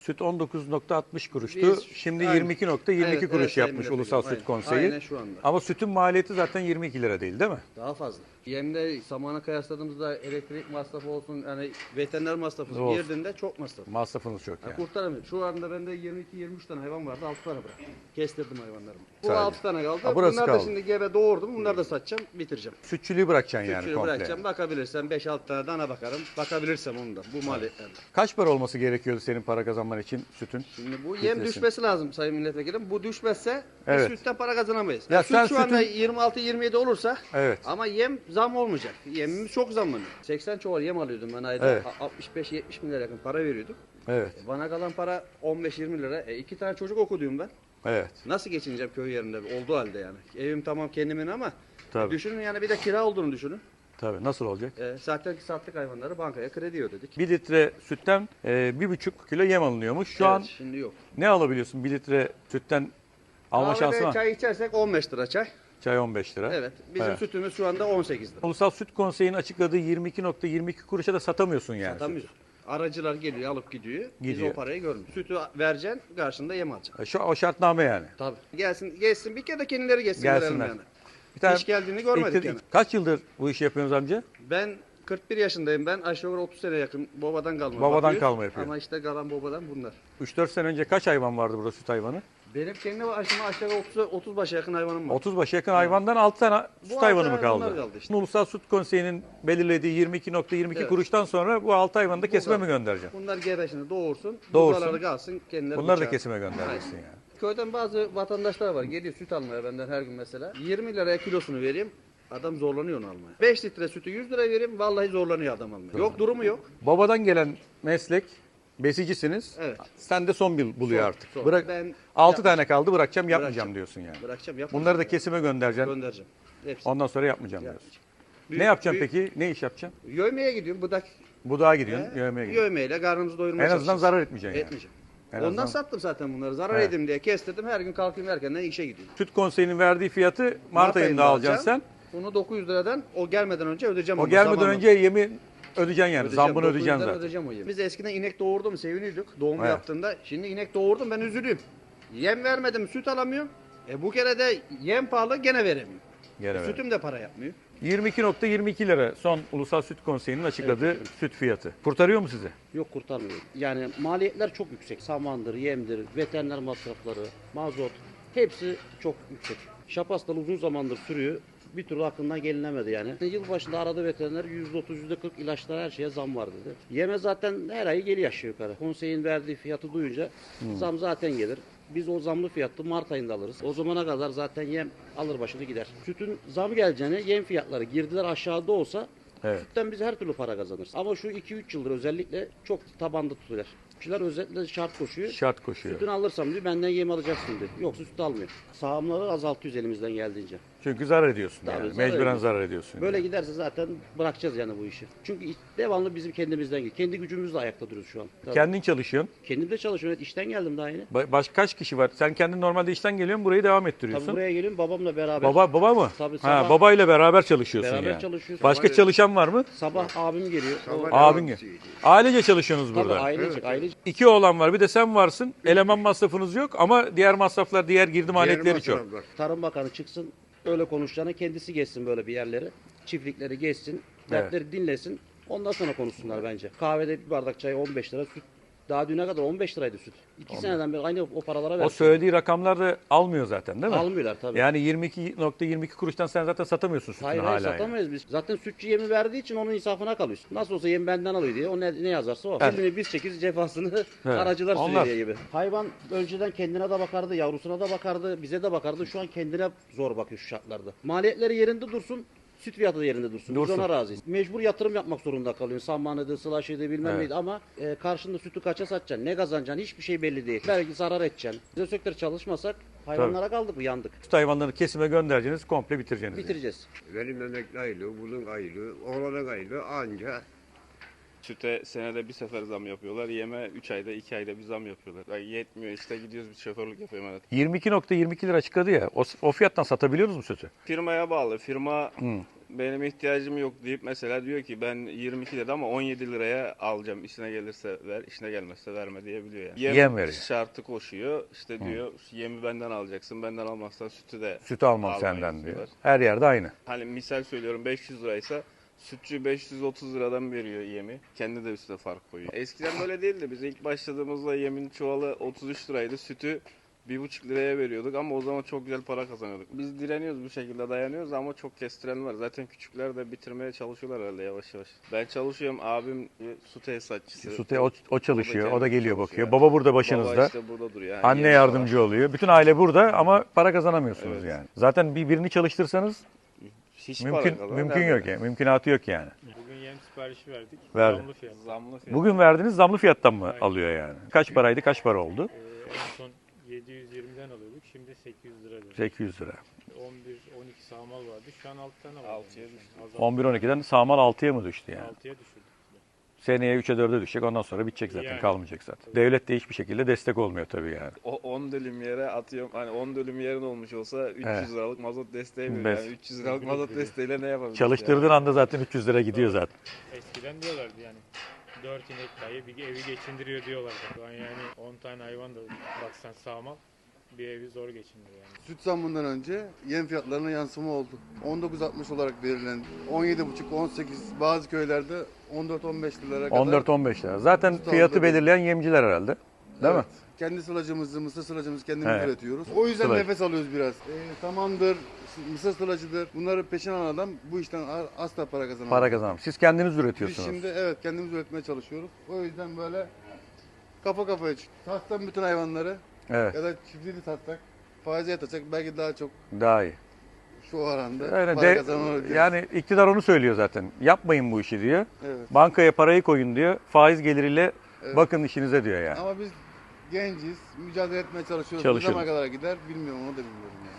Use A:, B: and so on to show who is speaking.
A: Süt 19,60 kuruştu.
B: Biz-
A: Şimdi
B: aynen.
A: 22,22
B: Evet,
A: kuruş
B: evet,
A: yapmış
B: Sayın
A: Ulusal
B: Milletvekili.
A: Süt Konseyi.
B: Aynen şu anda.
A: Ama sütün maliyeti zaten 22 lira değil mi?
B: Daha fazla. Yemle zamana kıyasladığımızda elektrik masrafı olsun, yani veteriner masrafı
A: Olsun.
B: girdiğinde çok masraf.
A: Masrafınız çok yani.
B: Kurtaramıyorum. Şu anda bende 22-23 tane hayvan vardı, 6 tane bıraktım. Kestirdim hayvanlarımı. Bu
A: Sadece.
B: 6 tane kaldı.
A: Ha, burası
B: Bunlar da
A: kaldı.
B: şimdi gebe doğurdum. Bunları da satacağım, bitireceğim.
A: Sütçülüğü bırakacaksın yani
B: Sütçüyü
A: komple.
B: bırakacağım. Bakabilirsem 5-6 tane dana bakarım. Bakabilirsem onu da bu maliyetlerle.
A: Kaç para olması gerekiyordu senin para kazanman için sütün?
B: Şimdi bu yem
A: Litresin.
B: düşmesi lazım Sayın Milletvekilim. Bu düşmezse
A: Evet.
B: biz sütten para kazanamayız.
A: Ya
B: Yani
A: sen
B: süt şu anda
A: sütün-
B: 26-27 olursa
A: Evet.
B: ama yem zam olmayacak. Yemimiz çok zamlanıyor. 80 çuval yem alıyordum ben ayda.
A: Evet.
B: 65-70 bin lira yakın para veriyorduk.
A: Evet.
B: Bana kalan para 15-20 lira. 2 tane çocuk okudum ben.
A: Evet.
B: Nasıl geçineceğim köy yerinde olduğu halde yani. Evim tamam kendimin ama
A: Tabii.
B: düşünün yani bir de kira olduğunu düşünün.
A: Tabii. Nasıl olacak?
B: Zaten sattık hayvanları bankaya kredi ödedik.
A: 1 litre sütten 1,5 kilo yem alınıyormuş. Şu
B: Evet,
A: an
B: şimdi yok.
A: ne alabiliyorsun 1 litre sütten alma şansı
B: Kahvede
A: var?
B: çay içersek 15 lira çay.
A: Çay 15 lira.
B: Evet. Bizim
A: Evet.
B: sütümüz şu anda 18 lira.
A: Ulusal Süt Konseyi'nin açıkladığı 22,22 kuruşa da satamıyorsun yani.
B: Satamıyoruz. Aracılar geliyor alıp gidiyor. Biz
A: Gidiyor.
B: o parayı görmüyoruz. Sütü vereceksin karşında yem alacaksın.
A: O şartname yani.
B: Tabii. Geçsin bir kere de kendileri geçsin.
A: Gelsinler.
B: görelim Yani.
A: Bir tane
B: Hiç geldiğini görmedik yani.
A: Kaç yıldır bu işi yapıyorsunuz amca?
B: Ben 41 yaşındayım ben. Aşağı yukarı 30 sene yakın babadan kalma.
A: Babadan
B: bakıyoruz.
A: kalma yapıyor.
B: Ama işte kalan babadan bunlar.
A: 3-4 sene önce kaç hayvan vardı burada süt hayvanı?
B: Benim kendi başıma aşağı yukarı 30 başa yakın hayvanım var.
A: 30 başa yakın hayvandan 6 tane süt
B: altı
A: hayvanı mı
B: hayvanlar
A: kaldı?
B: kaldı işte.
A: Ulusal Süt Konseyi'nin belirlediği 22,22
B: Evet.
A: kuruştan sonra bu 6 hayvanı da kesime mi
B: kadar.
A: göndereceğim?
B: Bunlar gebeşini doğursun.
A: Doğursun.
B: Buzaları kalsın kendileri
A: Bunları da
B: bıçağı.
A: kesime göndereceksin yani.
B: Köyden bazı vatandaşlar var. Geliyor süt almaya benden her gün mesela. 20 liraya kilosunu vereyim. Adam zorlanıyor onu almaya. 5 litre sütü 100 lira vereyim. Vallahi zorlanıyor adam almaya. Yok durumu yok.
A: Babadan gelen meslek besicisiniz.
B: Evet.
A: Sen de son bir buluyor
B: Son,
A: artık.
B: son.
A: Bırak
B: Ben
A: 6 tane kaldı bırakacağım yapmayacağım
B: Bırakacağım.
A: diyorsun yani.
B: Bırakacağım yapmayacağım.
A: Bunları da kesime göndereceksin.
B: Göndereceğim. Hepsi.
A: Ondan sonra yapmayacağım diyorsun.
B: Büyük-
A: Ne yapacaksın
B: büyük-
A: peki? Ne iş yapacaksın?
B: Yövmeye gidiyorum. Budak
A: Budağa gidiyorsun, yövmeye gidiyorsun.
B: yövmeyle karnımızı doyurmaya
A: En azından
B: çalışacağız.
A: zarar etmeyeceksin yani.
B: Etmeyeceğim.
A: En
B: Ondan
A: azından-
B: sattım zaten bunları. Zarar
A: Evet.
B: edeyim diye kestirdim. Her gün kalkayım erkenden işe gidiyorum.
A: Süt Konseyi'nin verdiği fiyatı Mart ayında alacaksın sen.
B: Bunu 900 liradan o gelmeden önce ödeyeceğim.
A: O
B: onu,
A: gelmeden
B: zamanla.
A: önce yemi ödeyeceksin yani.
B: Ödeyeceğim,
A: Zambını
B: 900'den
A: ödeyeceksin zaten.
B: ödeyeceğim o yemi. Biz eskiden inek doğurdu mu seviniyorduk doğum
A: Evet.
B: yaptığında. Şimdi inek doğurdum ben üzülüyorum. Yem vermedim süt alamıyorum. Bu kere de yem pahalı gene veremiyorum.
A: Gene ver.
B: Sütüm de para yapmıyor.
A: 22,22 lira son Ulusal Süt Konseyi'nin açıkladığı süt fiyatı. Kurtarıyor mu sizi?
C: Yok kurtarmıyor. Yani maliyetler çok yüksek. Samandır, yemdir, veteriner masrafları, mazot hepsi çok yüksek. Şapas'tan uzun zamandır sürüyor. Bir türlü aklından gelinemedi yani. Yılbaşında aradı veteriner %30, %40 ilaçlara her şeye zam var dedi. Yeme zaten her ay geliyor aşağı yukarı. Konseyin verdiği fiyatı duyunca zam zaten gelir. Biz o zamlı fiyatı Mart ayında alırız. O zamana kadar zaten yem alır başını gider. Sütün zam geleceğine yem fiyatları girdiler aşağıda olsa
A: Evet.
C: sütten biz her türlü para kazanırız. Ama şu 2-3 yıldır özellikle çok tabanda tutuyorlar. Kişiler özellikle şart koşuyor.
A: Şart koşuyor.
C: Sütünü alırsam diyor benden yem alacaksın diyor. Yoksa süt almıyor. Sağımları azaltıyoruz elimizden geldiğince.
A: Çünkü zarar ediyorsun
C: Tabii,
A: yani.
C: zarar
A: Mecburen
C: ediyorsun.
A: zarar ediyorsun.
C: Böyle
A: yani.
C: giderse zaten bırakacağız yani bu işi. Çünkü devamlı bizim kendimizden geliyor. Kendi gücümüzle ayakta duruyoruz şu an. Tabii.
A: Kendin çalışıyorsun.
C: Kendim de çalışıyorum. Evet, işten geldim daha yeni.
A: Başka kaç kişi var? Sen kendin normalde işten geliyorsun, burayı devam ettiriyorsun.
C: Tabii buraya geliyorum babamla beraber.
A: Baba mı?
C: Tabii,
A: ha,
C: sabah-
A: babayla beraber çalışıyorsun
C: Beraber
A: yani.
C: çalışıyoruz.
A: Başka çalışan var mı?
C: Sabah abim geliyor. O,
A: Abin gel. Ailece çalışıyorsunuz
C: tabii
A: burada.
C: ailecek.
A: 2 oğlan var, bir de sen varsın. Eleman masrafınız yok ama diğer masraflar, diğer girdi maliyetleri çok.
C: Tarım Bakanı çıksın öyle konuşacağına kendisi geçsin böyle bir yerleri. Çiftlikleri geçsin. Dertleri dinlesin. Ondan sonra konuşsunlar bence. Kahvede bir bardak çay 15 lira süt. Daha düne kadar 15 liraydı süt. 2 seneden beri aynı o paralara
A: O
C: versin.
A: söylediği rakamlar da almıyor zaten değil mi?
C: Almıyorlar tabii.
A: Yani 22,22 kuruştan sen zaten satamıyorsun sütünü
C: Hayır
A: hala.
C: hayır
A: yani.
C: satamayız biz. Zaten sütçü yemi verdiği için onun insafına kalıyorsun. Nasıl olsa yemi benden alıyor diye o ne yazarsa o.
A: Evet.
C: Şimdi biz çekeriz cefasını
A: Evet.
C: aracılar
A: Onlar.
C: sürüyor gibi. Hayvan önceden kendine de bakardı, yavrusuna da bakardı, bize de bakardı. Şu an kendine zor bakıyor şu şartlarda. Maliyetleri yerinde dursun. Süt fiyatı da yerinde dursun.
A: Dursun.
C: Biz ona razıyız. Mecbur yatırım yapmak zorunda kalıyorsun. Sammanıydı, sılaşıydı bilmem
A: Evet.
C: neydi ama karşında sütü kaça satacaksın, ne kazanacaksın hiçbir şey belli değil. Belki zarar edeceksin. Biz o sektör çalışmasak hayvanlara kaldık mı yandık.
A: Süt hayvanlarını kesime göndereceğiniz, komple bitireceğiniz. yani.
C: Bitireceğiz.
D: Benim emekli aylığı, bunun aylığı, oğlanın aylığı anca
E: Süte senede bir sefer zam yapıyorlar. Yeme 3 ayda 2 ayda bir zam yapıyorlar. Ay yetmiyor işte gidiyoruz bir şoförlük yapıyorum evet.
A: 22,22 lira açıkladı ya. O fiyattan satabiliyoruz mu sütü?
E: Firmaya bağlı. Firma benim ihtiyacım yok deyip mesela diyor ki ben 22 lira ama 17 liraya alacağım. İşine gelirse ver, işine gelmezse verme diyebiliyor yani.
A: Yem veriyor.
E: Şartı koşuyor. İşte diyor yemi benden alacaksın. Benden almazsan sütü de
A: Sütü almam
E: almayız
A: senden diyor.
E: diyorlar.
A: Her yerde aynı.
E: Hani misal söylüyorum 500 liraysa sütçü 530 liradan veriyor yemi. Kendi de üstüne fark koyuyor. Eskiden böyle değildi. Biz ilk başladığımızda yemin çuvalı 33 liraydı. Sütü 1,5 liraya veriyorduk ama o zaman çok güzel para kazanıyorduk. Biz direniyoruz, bu şekilde dayanıyoruz ama çok kestiren var. Zaten küçükler de bitirmeye çalışıyorlar herhalde yavaş yavaş. Ben çalışıyorum, abim su tesisatçısı.
A: O çalışıyor, o da geliyor
E: çalışıyor.
A: bakıyor. Baba burada başınızda.
E: Baba işte burada duruyor. Yani
A: Anne
E: yemi
A: yardımcı
E: falan.
A: oluyor. Bütün aile burada ama para kazanamıyorsunuz
E: Evet.
A: yani. Zaten birini çalıştırsanız
E: Hiç para
A: mümkün
E: kazanan
A: mümkün
E: nerede?
A: yok yani. Mümkünatı yok yani.
F: Bugün yem siparişi verdik.
A: Verdi.
F: Zamlı fiyat.
E: Zamlı fiyat.
A: Bugün verdiğiniz zamlı fiyattan mı
F: Aynen.
A: alıyor yani? Kaç paraydı, kaç para oldu?
F: En son 720'den alıyorduk. Şimdi 800 lira.
A: 800 lira.
F: 11-12 sağmal vardı. Şu an 6 tane var.
E: 6'ya düştü.
A: 11-12'den sağmal 6'ya mı düştü yani?
F: 6'ya düşürdük.
A: Seneye 3'e 4'e düşecek, ondan sonra bitecek zaten,
F: Yani.
A: kalmayacak zaten. Devlet de hiçbir şekilde destek olmuyor tabii yani.
E: O 10 dönüm yere atıyorum. Hani 10 dönüm yerin olmuş olsa 300
A: Evet.
E: liralık mazot desteği veriyor.
A: Bes.
E: Yani 300 liralık mazot desteğiyle ne yapabiliriz?
A: Çalıştırdığın anda zaten 300 lira gidiyor zaten.
F: Eskiden diyorlardı yani 4 inek dahi bir evi geçindiriyor diyorlardı. Şu an yani 10 tane hayvan da baksan sağmal bir evi zor geçindiriyor yani.
G: Süt zammından önce yem fiyatlarına yansıma oldu. 19.60 olarak belirlendi. 17,5-18 bazı köylerde 14-15 liralara kadar.
A: 14-15 lira. Zaten
G: Süt
A: fiyatı
G: aldı.
A: belirleyen yemciler herhalde. Değil mi?
G: Evet. Kendi sılacımızı, mısır sılacımızı kendimiz
A: Evet.
G: üretiyoruz. O yüzden
A: Sılaj.
G: nefes alıyoruz biraz. Samandır, mısır sılacıdır. Bunları peşin alan adam bu işten asla para kazanamaz.
A: Para kazanım. Siz kendiniz
G: Biz
A: üretiyorsunuz.
G: şimdi evet kendimiz üretmeye çalışıyoruz. O yüzden böyle kafa kafaya satsan bütün hayvanları
A: Evet.
G: ya da çiftliğini satsak faize yatacak belki daha çok
A: Daha iyi.
G: şu oranda
A: Öyle
G: para kazanılır.
A: yani iktidar onu söylüyor zaten. Yapmayın bu işi diyor.
G: Evet.
A: Bankaya parayı koyun diyor. Faiz geliriyle
G: Evet.
A: bakın işinize diyor yani.
G: Ama biz genciz, mücadele etmeye çalışıyoruz. Ne
A: Çalışıyoruz.
G: zamana kadar gider bilmiyorum, onu da bilmiyorum yani.